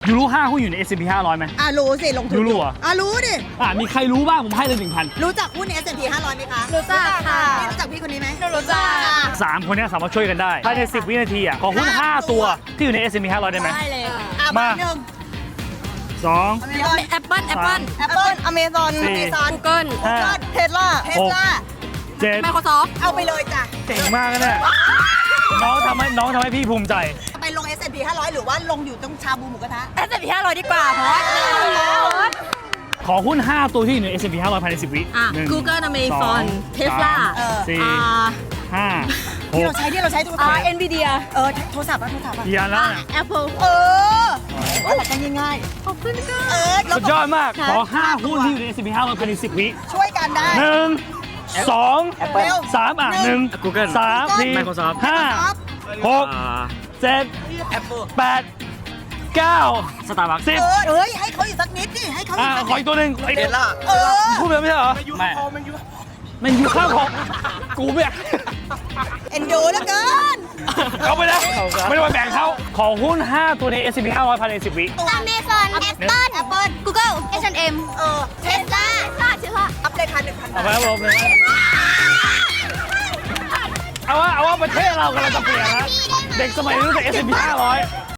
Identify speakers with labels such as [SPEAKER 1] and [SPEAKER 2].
[SPEAKER 1] ยูรู้5หุ้นอยู่ใน S&P 500ไหม
[SPEAKER 2] รู้สิลงทุน
[SPEAKER 1] ยูรู้เหรอ
[SPEAKER 2] รู้ดิ
[SPEAKER 1] มีใครรู้บ้างผมให้เลย 1,000
[SPEAKER 2] รู้จักหุ้นใน S&P 500ไหมคะ
[SPEAKER 3] รู้จักค่ะ
[SPEAKER 2] พี่รู้จักพี่คนนี้ไหม
[SPEAKER 3] รู้จัก
[SPEAKER 1] 3คนนี้สามารถช่วยกันได้ภายใน10 วินาทีขอหุ้น5 ตัวที่อยู่ใน S&P 500ได้ไหม
[SPEAKER 3] ได้เลย
[SPEAKER 1] มา
[SPEAKER 2] หนึ่ง
[SPEAKER 1] 2
[SPEAKER 3] แอปเปิ้ล
[SPEAKER 2] อเมซอน
[SPEAKER 3] Google
[SPEAKER 2] เทสลา
[SPEAKER 1] 7
[SPEAKER 3] Microsoft
[SPEAKER 2] เอาไปเลยจ้ะ
[SPEAKER 1] เก่งมากนะเนี่ยน้องทำให้พี่ภูมิใจ
[SPEAKER 2] ไปลง S&P 500หรือว่าลงอยู่ตรงชาบูหมูกระทะ
[SPEAKER 3] S&P 500ดีกว่าเพราะ
[SPEAKER 1] ขอหุ้น5 ตัวที่อยู่ใน S&P 500ภายใน10 วิ
[SPEAKER 3] Google Amazon Tesla
[SPEAKER 1] 4 5
[SPEAKER 2] ที่เราใช้โทรศัพท์
[SPEAKER 3] Nvidia
[SPEAKER 2] โทรศัพท์
[SPEAKER 1] กี่อันแล้ว
[SPEAKER 3] Apple
[SPEAKER 2] หลักการง่าย
[SPEAKER 3] ขอบคุณค่ะ
[SPEAKER 1] สุดยอดมากขอ5 หุ้นที่อยู่ใน S&P 500ภายใน10 วิ
[SPEAKER 2] ช่วยกันได้
[SPEAKER 1] 1 2 3 1
[SPEAKER 4] Google
[SPEAKER 1] 3 4
[SPEAKER 4] Microsoft
[SPEAKER 1] 5 6 7 8 9
[SPEAKER 4] Starbucks
[SPEAKER 1] 10
[SPEAKER 2] เฮ้ยให้เขาอีกสักนิดดิให้เขา
[SPEAKER 1] ขออีกตัวหนึ่ง
[SPEAKER 4] เทสลา
[SPEAKER 1] พูดไปไม่ใช่เหรอ
[SPEAKER 4] ไม่
[SPEAKER 1] มันอยู่ข้างของกูไม่
[SPEAKER 2] เอ็นดูแล้วกัน
[SPEAKER 1] เขาไปแล้วไม่ได้มาแบ่งเขาขอหุ้น5 ตัวใน S&P 500ภายใน10 วิ
[SPEAKER 3] Amazon Apple Google H&M Tesla
[SPEAKER 2] อัพเลยค่ะ 1,000
[SPEAKER 1] เอาไปครับผมเอาว่าประเทศเรากำลังจะเปลี่ยนนะเด็กสมัยนี้รู้จัก S&P 500